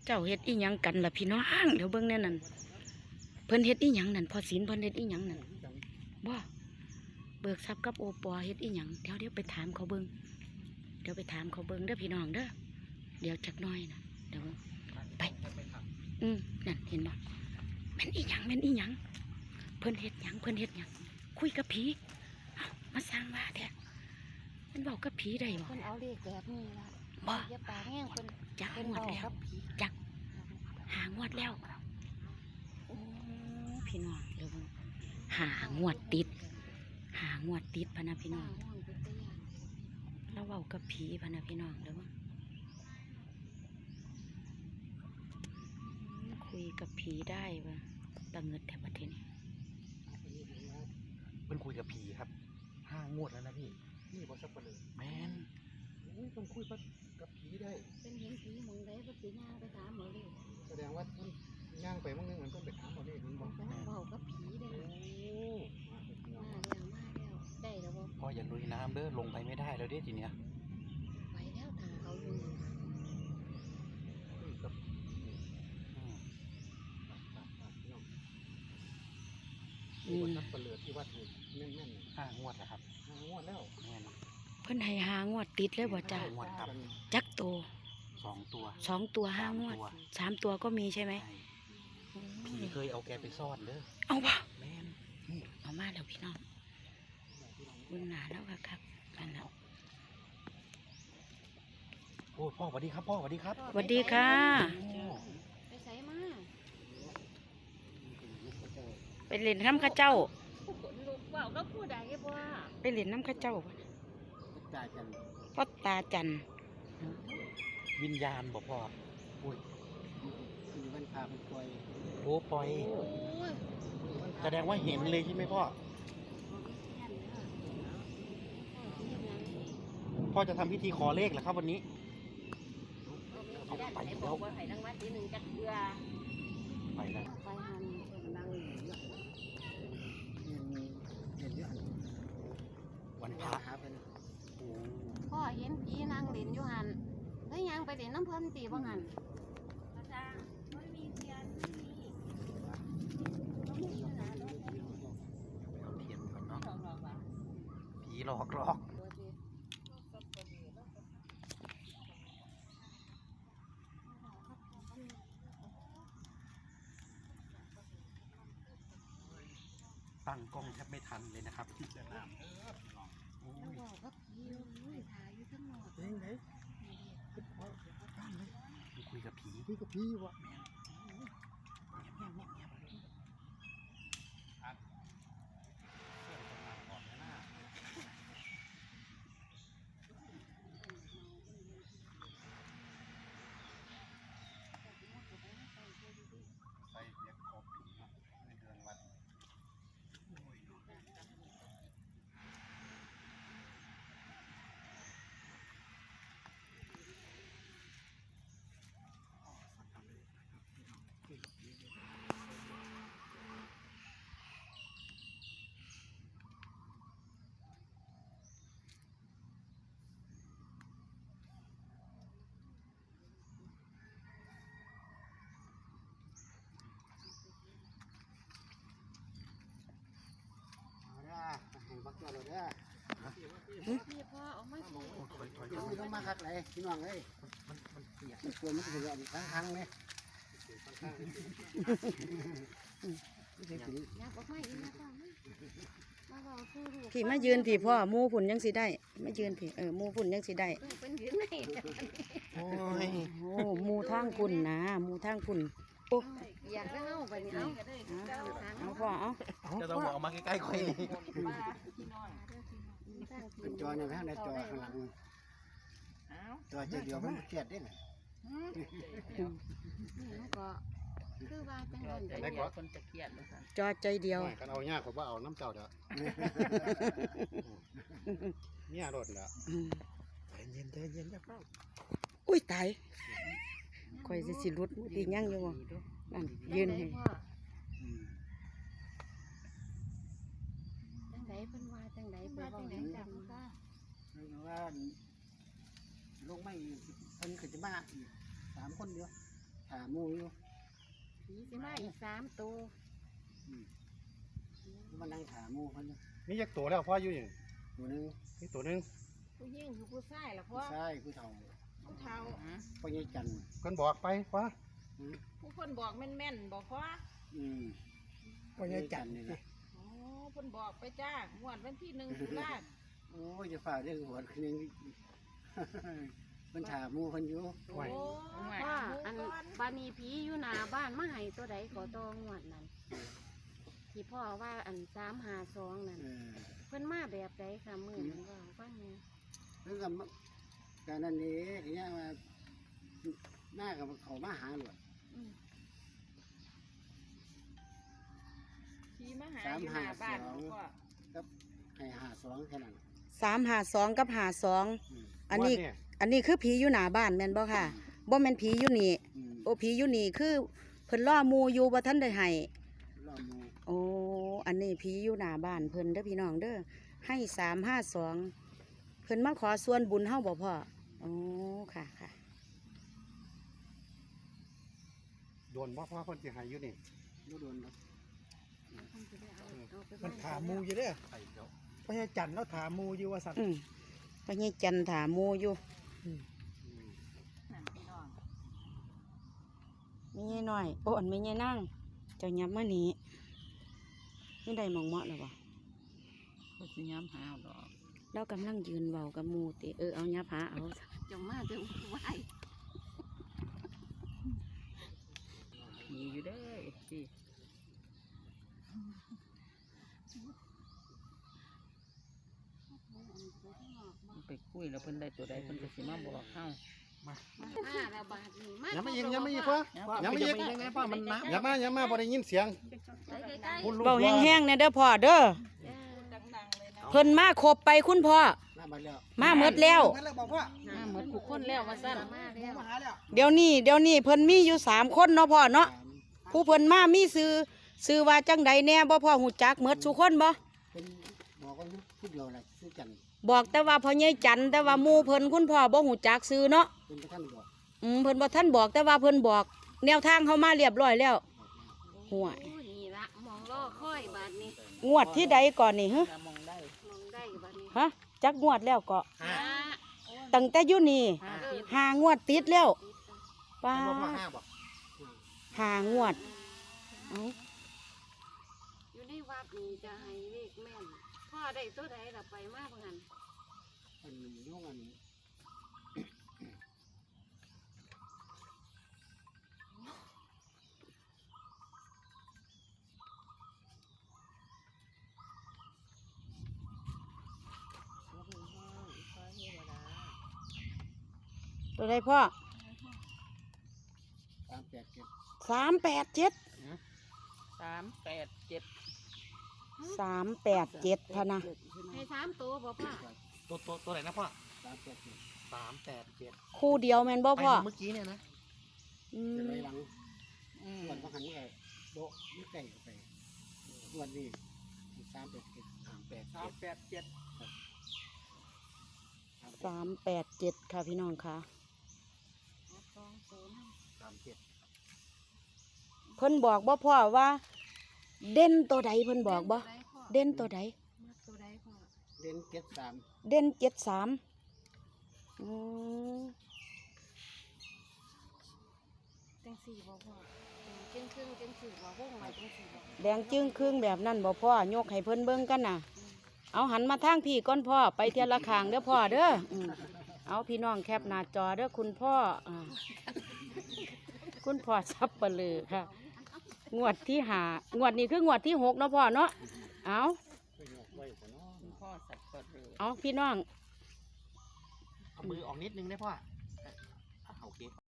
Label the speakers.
Speaker 1: เจ้าเฮ็ดอีหยังกันล่ะพี่น้องเดี๋ยวเบิ่งแน่นั่นเพิ่นเฮ็ดอีหยังนั่นพอศีลเพิ่นเฮ็ดอีหยังนั่นบ่เบิกทรัพย์กับโอปอเฮ็ดอีหยังเดี๋ยวไปถามเขาเบิ่งเดี๋ยวไปถามเขาเบิ่งเด้อพี่น้องเด้อเดี๋ยวจักหน่อยนะเดี๋ยวไปนั่นเห็นบ่แม่นอีหยังแม่นอีหยังเพิ่นเฮ็ดหยังคุยกับผีมาสร้างว่าแท้มันบอกกับผีได้บ่
Speaker 2: เพิ่นเอาเลขแบบนี้ล่ะ
Speaker 1: บ่
Speaker 2: อย่าปากแห้งเพิ่น
Speaker 1: จักงวดแล้วจักหางวดแล้วโอ้พี่น้องเดี๋ยวหางวดติดพะนะพี่น้องเราเว้ากับผีพะนะพี่น้องเดี๋ยวคุยกับผีได้ปะตะเงิดแถวประเทศนี้
Speaker 3: เป็นคุยกับผีครับ5 งวดแล้วนะพี่บอสักปะเลยแมนต้องคุยกับผีได้
Speaker 2: เป็นเห็นผีมองได้ปฏิญาไปถามหมอเลย
Speaker 3: แสดงว่ามันย่างไปมั่งนึงมันต้องไปถามหมอเลยมันบอก
Speaker 2: กำลังเบากับผีได้มาแล้วได้แล้วบ่
Speaker 3: พ่ออย่าลุยน้ำเด้อลงไปไม่ได้แล้วเด้ทีเนี้ย
Speaker 2: ไปแล้วทางเขาอยู่
Speaker 3: กับบอสักปะเลยที่ว่าถูกแน่น5 งวดนะครับ5 งวดแล้วแม่น
Speaker 1: เพิ่นให้หางวดติดเลยบ่จ้าจักโต
Speaker 3: 2 ตัว
Speaker 1: 2 ตัว5 งวด3 ตัวก็มีใช่ไหม
Speaker 3: ผีเคยเอาแกไปซ่อนเด้อ
Speaker 1: เอาวะ
Speaker 3: แม่น
Speaker 1: เอามาแล้วพี่น้องบุญหนาแล้วครับกันแล้ว
Speaker 3: โอ้พ่อสวัสดีครับพ่อสวัสดีครับ
Speaker 1: สวัสดีค่ะ
Speaker 2: ไปใส่มา
Speaker 1: ไปเล่นน้ำข้าเจ้า
Speaker 2: ลูกเบาก็พูดได้บ่
Speaker 1: ไปเล่นน้ำข้าเจ้าพ่อตาจัน
Speaker 3: วิญญาณบอกพ่ออุ้ย
Speaker 4: มันพาไปปล่อย
Speaker 3: โอ้ปล่อยแสดงว่าเห็นเลยใช่ไหมพ่อพ่อจะทำพิธีขอเลขเหรอครับวันนี้เอาไปแล้ว
Speaker 2: ไปนั่งมาทีหนึ่งจักเรือ
Speaker 3: ไปแล้ว
Speaker 2: ไปหันนั่ง
Speaker 3: วันพระ
Speaker 2: พ่อเห็นผีนางเล่นอยู่หันแล้วยังไปเล่นน้ำเพิ่นตีบ่หันมันมีเทียน
Speaker 3: เอาเทียนก่อนเนาะผีหลอกตั้งกล้องแทบไม่ทันเลยนะครับที่จะน้ำ
Speaker 2: แล้วบอกว่าผีถ่ายอยู่ข้างนอก
Speaker 3: ไหนคุยกับผีวะ
Speaker 4: บักตัวเราเนี่ย
Speaker 2: พี่พ่อเอามาสิ
Speaker 4: ต้องมาคักเลยพี่น้องเลยมันเปียกมันกลัวมันจะร้อนทั้งเลย
Speaker 1: ที่มายืนที่พ่อมูฝุ่นยังสิได้มายืนที่มูฝุ่นยังสิได้โอ้ยโอ้มูทางฝุ่นนะมูทางฝุ่นโอ้
Speaker 2: อยากเอาไปนี่
Speaker 1: เอาพ่อเอา
Speaker 3: จะต้องบอกมาใกล้ๆค่อย
Speaker 4: จอเนี่ยนะจอข้างหลังจอเดียวมันเครียดได้ไหม
Speaker 2: ก็คือว่าจังหวัด
Speaker 3: ได้ก็
Speaker 2: คนจะเครียดเลยค่ะ
Speaker 1: จอใจเดียว
Speaker 3: กันเอายากกว่าเอาน้ำเจ้าเด้อเนี่ยรถแล้วเย็นจะเข้า
Speaker 1: อุ้ยตายคอยสิรุดตียั่งอยู่นั่นยืนให้
Speaker 2: จังไดเพิ่นว่าจังไดเพิ่นว่าจังได
Speaker 4: ว่าลงไม่เพิ่นขึ้นจะมาอีก3 คนเดียวถาหมู่อยู่
Speaker 2: ผีสิมาอีก3ตัว
Speaker 4: มันนั่งถาหมู่เพิ่นอยู่
Speaker 3: มีจักตัวแล้วพ่ออยู่อย่าง
Speaker 4: ตัวหนึง
Speaker 3: นี่ตัวหนึง
Speaker 2: ผู้หญิงคือผู้ชายล่ะพ่อ
Speaker 4: ผู้ชายผู้เฒ่า
Speaker 2: ผู้เฒ่า
Speaker 4: พ่อใหญ่จันทร์
Speaker 3: เพิ่นบอกไปพ่อ
Speaker 2: ผู้คนบอกแม่นๆบอกพ่อ
Speaker 4: พ่อใหญ่จันทร์นี่ล่ะ
Speaker 2: อ๋อเพิ่นบอกไปจ้างวดวันที่1ตุลา
Speaker 4: โอ้ยจะฝ่าเรื่องหัวคืนนึง มันถาหมู่เพิ่นอยู่
Speaker 3: ไว้
Speaker 2: พ่ออันบานีผีอยู่หน้าบ้านมาให้ตัวใดขอตองวดนั้นที่พ่อว่าอัน352นั่น เพิ่นมาแบบใดค่ะมื้อนั้นว่าฟังแหน่
Speaker 4: เรื่องกับการนั้นนี่ทีนี้มาหน้ากับเขามาหาหลวด
Speaker 2: อืมผีมาหาอยู่หน้าบ้านบอกพ่อ
Speaker 4: ให้52แค่นั้น
Speaker 1: 352กับ52
Speaker 4: อืม
Speaker 1: อันนี้
Speaker 3: งวดเย
Speaker 1: อันนี้คือผีอยู่หน้าบ้านแม่นบ่ค่ะบ่แม่นผีอยู่นี่
Speaker 4: อืม
Speaker 1: โอ้ผีอยู่นี่คือเพิ่นล่อหมู่อยู่บ่ทันได้ให้
Speaker 4: รอบหมู่
Speaker 1: โอ้อันนี้ผีอยู่หน้าบ้านเพิ่นเด้อพี่น้องเด้อให้352เพิ่นมาขอส่วนบุญเฮาบ่พ่อโอ้ค่ะค่ะ
Speaker 3: โดนบ่พ่อเพิ่นสิให้อยู่นี่
Speaker 4: บ่โดนดอก
Speaker 5: มันถามหมูอยู่เด้อ
Speaker 3: ไปเดี๋ยว
Speaker 5: พญาจันทร์แล้วถามหมูอยู่ว่าสัตว์
Speaker 1: ไปยี่จันถาหมู่อยู่
Speaker 2: นั่นพี่น้อง
Speaker 1: มียี่น้อยโอ้อันมียี่นั่งเจ้ายับมานี่นี่ได้หมองเหมาะแล้วบ่
Speaker 2: ก็สิย้ำหาดอก
Speaker 1: เรากำลังยืนเว้ากับหมู่ติเอายับหาเอา
Speaker 2: จะมาจะไหวมีอยู่เด้อสิ
Speaker 6: ไปคุยแล้วเพิ่นได้ตัวใดเพิ่นก็สิมาบอกเฮา
Speaker 2: มาระบาดนี่มา
Speaker 3: อย่ามายิงอย่ามายิงพ่ออย่ามายิง
Speaker 5: ยังไงป้ามันน้ำ
Speaker 3: อย่ามาบ่ได้ยินเสียง
Speaker 2: ใกล้
Speaker 3: คุณลูก
Speaker 1: เบาแห้งๆเนี่ยเด้อพ่อเด้อ
Speaker 2: ๆดังๆเลยนะ
Speaker 1: เพิ่นมาครบไปคุณพ่อ
Speaker 4: หน้าบ้านแล้ว
Speaker 1: มาหมดแล้ว
Speaker 5: นั่นแหละบอกว่า
Speaker 6: มาเหมือนทุกคนแล้วว่าซั่น
Speaker 2: มาแล้ว
Speaker 5: มาหาแล้ว
Speaker 1: เดี๋ยวนี้เพิ่นมีอยู่3คนเนาะพ่อเนาะ
Speaker 4: ถาม
Speaker 1: ผู้เพิ่นมามีซื้อว่าจังใดแน่บ่พ่อฮู้จักหมดทุกคนบ่
Speaker 4: เป็นบอกว่าพูดเดียวแหละชื่อจันทร์
Speaker 1: บอกแต่ว่าพ่อใหญ่จันทร์แต่ว่าหมู่เพิ่นคุณพ่อบ่ฮู้จักซื้อเนาะ
Speaker 4: เป็นประธานบอก
Speaker 1: เพิ่นบ่ทันบอกแต่ว่าเพิ่นบอก แนวทางเฮามาเรียบร้อยแล้วห่วย
Speaker 2: โอ้นี่ละมองล่อค่อยบาดนี้
Speaker 1: งวดที่ใดก่อนนี่ฮะ
Speaker 6: มองได้
Speaker 2: มองได้บาดนี้
Speaker 1: ฮะจักงวดแล้วก็
Speaker 2: อ่า
Speaker 1: ตั้งแต่อยู่นี่
Speaker 6: ห้าทิศ
Speaker 1: 5 งวดติดแล้วป้า
Speaker 3: เป็นบ่พ่อห้าบ่
Speaker 1: 5 งวดเอ้า
Speaker 2: อยู่ในวัดนี่จะให้เลขแม่นพ่อได้ตัวใดล่ะไปมากกว่านั้น
Speaker 4: อันยุ่งอัน
Speaker 1: ตัวใดพ่อ
Speaker 4: 387
Speaker 1: 387
Speaker 6: 387
Speaker 1: พะนะ
Speaker 2: ให้3ตัวบ่พ่อ
Speaker 3: ตัวไหนนะพ่อ
Speaker 4: 387
Speaker 3: 387
Speaker 1: คู่เดียวแม่นบ่
Speaker 3: ไป
Speaker 1: พ่อ
Speaker 3: เมื่อกี้เนี่ยนะ
Speaker 1: อื
Speaker 4: จะ
Speaker 1: ม
Speaker 4: ได้หลังส่วนบางครั้งก็โดะไม่ไก่เข้าไปวันนี้387
Speaker 5: 387
Speaker 1: 387ค่ะพี่น้องค่ะ
Speaker 3: 37
Speaker 1: เพิ่นบอกบ่พ่อว่า เด่นตัวใดเพิ่นบอกบ่เด่นตัวใด
Speaker 2: มักตัวใดพ่อ
Speaker 4: เด่น73
Speaker 1: เด่น73อืม
Speaker 2: จังสี่บ่พ่อจังครึ่งจังสี่บ่วงไว้จังสี่บ่
Speaker 1: แดงจึ้งครึ่งแบบนั้นบ่พ่อยกให้เพิ่นเบิ่งกันน่ะ เอาหันมาทางพี่ก่อนพ่อไปเทียละข้างเด้อพ่อเด้อเอาพี่น้องแคปหน้าจอเด้อคุณพ่อคุณพ่อซับเปลือค่ะ งวดที่5งวดนี้คืองวดที่6เนาะพ่อเนาะเอา
Speaker 6: คุณพ่อสัตว์เปิดเลย
Speaker 1: เอาพี่น้อง
Speaker 3: เอามือออกนิดนึงได้พ่อโอเค